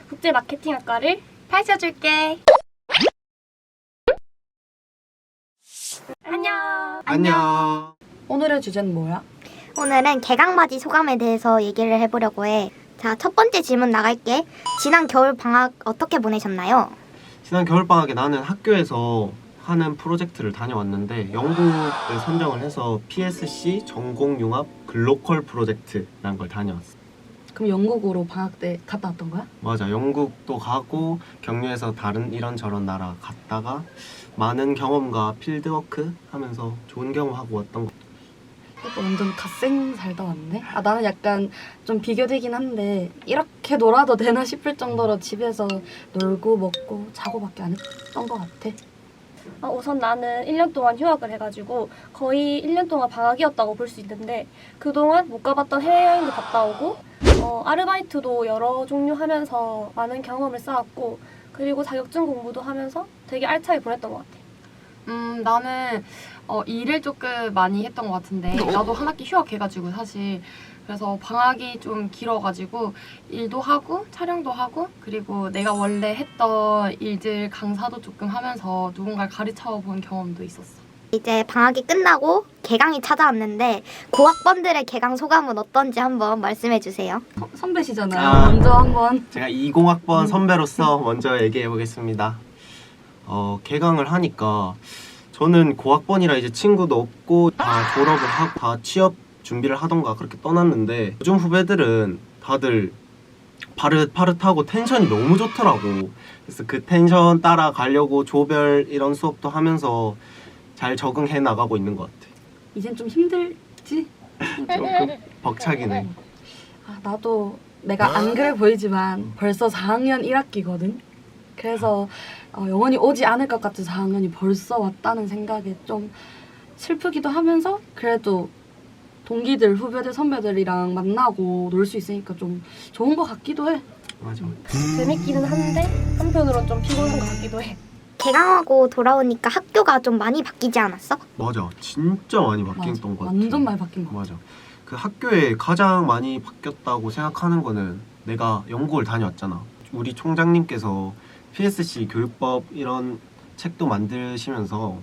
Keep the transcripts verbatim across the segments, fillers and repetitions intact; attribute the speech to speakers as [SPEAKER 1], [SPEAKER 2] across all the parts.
[SPEAKER 1] 국제 마케팅학과를
[SPEAKER 2] 파헤쳐줄게.
[SPEAKER 1] 안녕.
[SPEAKER 3] 안녕.
[SPEAKER 2] 오늘의 주제는 뭐야?
[SPEAKER 4] 오늘은 개강맞이 소감에 대해서 얘기를 해보려고 해. 자, 첫 번째 질문 나갈게. 지난 겨울 방학 어떻게 보내셨나요?
[SPEAKER 3] 지난 겨울방학에 나는 학교에서 하는 프로젝트를 다녀왔는데 영국을 선정을 해서 피에스씨 전공융합 글로컬 프로젝트라는 걸 다녀왔어.
[SPEAKER 2] 그럼 영국으로 방학 때 갔다 왔던 거야?
[SPEAKER 3] 맞아, 영국도 가고 격려해서 다른 이런저런 나라 갔다가 많은 경험과 필드워크 하면서 좋은 경험하고 왔던 거.
[SPEAKER 2] 오빠 완전 갓생 살다 왔네? 아, 나는 약간 좀 비교되긴 한데 이렇게 놀아도 되나 싶을 정도로 집에서 놀고 먹고 자고밖에 안 했던 것 같아.
[SPEAKER 1] 어, 우선 나는 일 년 동안 휴학을 해가지고 거의 일 년 동안 방학이었다고 볼 수 있는데 그동안 못 가봤던 해외여행도 갔다 오고 어, 아르바이트도 여러 종류 하면서 많은 경험을 쌓았고 그리고 자격증 공부도 하면서 되게 알차게 보냈던 것 같아.
[SPEAKER 5] 음, 나는 어, 일을 조금 많이 했던 것 같은데 나도 한 학기 휴학해가지고 사실 그래서 방학이 좀 길어가지고 일도 하고 촬영도 하고 그리고 내가 원래 했던 일들 강사도 조금 하면서 누군가를 가르쳐 본 경험도 있었어.
[SPEAKER 4] 이제 방학이 끝나고 개강이 찾아왔는데 고학번들의 개강 소감은 어떤지 한번 말씀해 주세요.
[SPEAKER 2] 서, 선배시잖아요.
[SPEAKER 3] 아.
[SPEAKER 2] 먼저 한번.
[SPEAKER 3] 제가 이공학번 선배로서 먼저 얘기해 보겠습니다. 어, 개강을 하니까 저는 고학번이라 이제 친구도 없고 다 졸업을 하고 다 취업 준비를 하던가 그렇게 떠났는데 요즘 후배들은 다들 파릇파릇하고 텐션이 너무 좋더라고. 그래서 그 텐션 따라가려고 조별 이런 수업도 하면서 잘 적응해 나가고 있는 것 같아.
[SPEAKER 2] 이젠 좀 힘들지?
[SPEAKER 3] 조금 벅차기네.
[SPEAKER 2] 아, 나도 내가 안 그래 보이지만 벌써 사 학년 일 학기거든. 그래서 어, 영원히 오지 않을 것 같은 사 학년이 벌써 왔다는 생각에 좀 슬프기도 하면서 그래도 동기들, 후배들, 선배들이랑 만나고 놀 수 있으니까 좀 좋은 것 같기도 해.
[SPEAKER 3] 맞아.
[SPEAKER 1] 재밌기는 한데 한편으로는 좀 피곤한 것 같기도 해.
[SPEAKER 4] 개강하고 돌아오니까 학교가 좀 많이 바뀌지 않았어?
[SPEAKER 3] 맞아. 진짜 많이 바뀌었던 것 같아.
[SPEAKER 2] 완전 많이 바뀐 것 같아.
[SPEAKER 3] 맞아. 그 학교에 가장 많이 바뀌었다고 생각하는 거는 내가 영국을 다녀왔잖아. 우리 총장님께서 피에스씨 교육법 이런 책도 만드시면서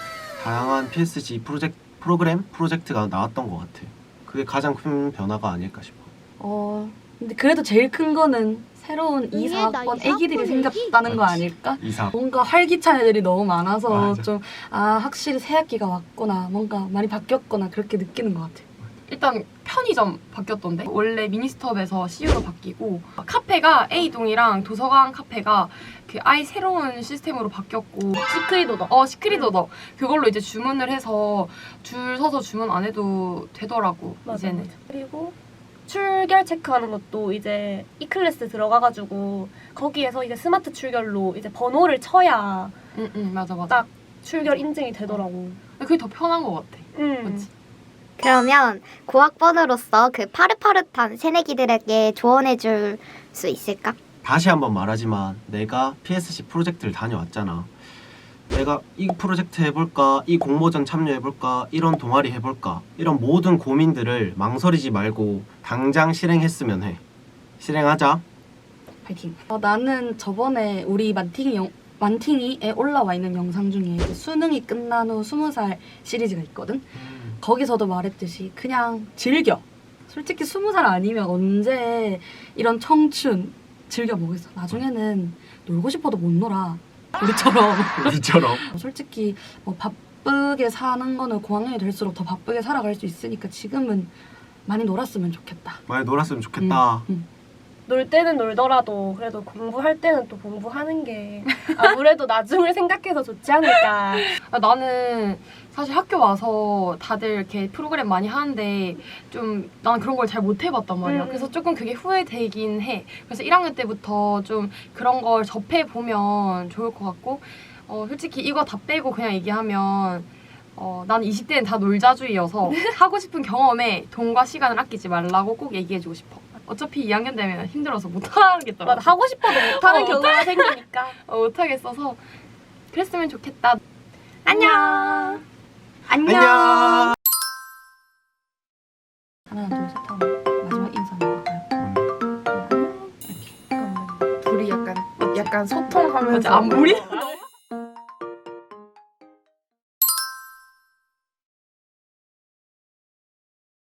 [SPEAKER 3] 다양한 피에스씨 프로젝트, 프로그램, 프로젝트가 나왔던 것 같아. 그게 가장 큰 변화가 아닐까 싶어.
[SPEAKER 2] 어, 근데 그래도 제일 큰 거는 새로운 이, 사 학번 애기들이 생겼다는 거
[SPEAKER 3] 맞지.
[SPEAKER 2] 아닐까?
[SPEAKER 3] 이사.
[SPEAKER 2] 뭔가 활기찬 애들이 너무 많아서
[SPEAKER 3] 맞아.
[SPEAKER 2] 좀 아 확실히 새 학기가 왔구나 뭔가 많이 바뀌었구나 그렇게 느끼는 것 같아.
[SPEAKER 5] 일단 편의점 바뀌었던데 원래 미니스톱에서 씨유로 바뀌고 카페가 A동이랑 도서관 카페가 그 아예 새로운 시스템으로 바뀌었고
[SPEAKER 1] 시크릿 오더.
[SPEAKER 5] 어 시크릿 오더 그걸로 이제 주문을 해서 줄 서서 주문 안 해도 되더라고.
[SPEAKER 1] 맞아,
[SPEAKER 5] 이제는.
[SPEAKER 1] 맞아. 그리고 출결 체크하는 것도 이제 이클래스 들어가가지고 거기에서 이제 스마트 출결로 이제 번호를 쳐야
[SPEAKER 5] 응응 맞아 맞아.
[SPEAKER 1] 딱 출결 인증이 되더라고.
[SPEAKER 5] 그게 더 편한 것 같아.
[SPEAKER 1] 음.
[SPEAKER 5] 맞지?
[SPEAKER 4] 그러면 고학번으로서 그 파릇파릇한 새내기들에게 조언해 줄 수 있을까?
[SPEAKER 3] 다시 한번 말하지만 내가 피에스씨 프로젝트를 다녀왔잖아. 내가 이 프로젝트 해볼까, 이 공모전 참여해볼까, 이런 동아리 해볼까 이런 모든 고민들을 망설이지 말고 당장 실행했으면 해. 실행하자.
[SPEAKER 2] 파이팅. 어, 나는 저번에 우리 만팅이 영, 만팅이에 올라와 있는 영상 중에 이제 수능이 끝난 후 스무 살 시리즈가 있거든. 거기서도 말했듯이 그냥 즐겨. 솔직히 스무 살 아니면 언제 이런 청춘 즐겨보겠어. 나중에는 놀고 싶어도 못 놀아. 우리처럼.
[SPEAKER 3] 우리처럼.
[SPEAKER 2] 솔직히 뭐 바쁘게 사는 거는 고학년이 될수록 더 바쁘게 살아갈 수 있으니까 지금은 많이 놀았으면 좋겠다.
[SPEAKER 3] 많이 놀았으면 좋겠다.
[SPEAKER 2] 음, 음.
[SPEAKER 1] 놀 때는 놀더라도 그래도 공부할 때는 또 공부하는 게 아무래도 나중을 생각해서 좋지 않을까.
[SPEAKER 5] 아, 나는 사실 학교 와서 다들 이렇게 프로그램 많이 하는데 좀 난 그런 걸 잘 못 해봤단 말이야.
[SPEAKER 1] 음.
[SPEAKER 5] 그래서 조금 그게 후회되긴 해. 그래서 일 학년 때부터 좀 그런 걸 접해보면 좋을 것 같고 어, 솔직히 이거 다 빼고 그냥 얘기하면 어, 난 이십 대는 다 놀자주의여서 하고 싶은 경험에 돈과 시간을 아끼지 말라고 꼭 얘기해주고 싶어. 어차피 이 학년 되면 힘들어서 못하겠더라고.
[SPEAKER 1] 맞아, 하고 싶어도 못하는
[SPEAKER 5] 어,
[SPEAKER 1] 경우가 생기니까.
[SPEAKER 5] 어, 못하겠어서 그랬으면 좋겠다.
[SPEAKER 1] 안녕.
[SPEAKER 3] 안녕.
[SPEAKER 2] 하나 둘 셋 하면 마지막 인사 한번 할까요?
[SPEAKER 1] 잠깐만.
[SPEAKER 6] 약간 약간 소통하면서
[SPEAKER 5] 맞아, 안무리?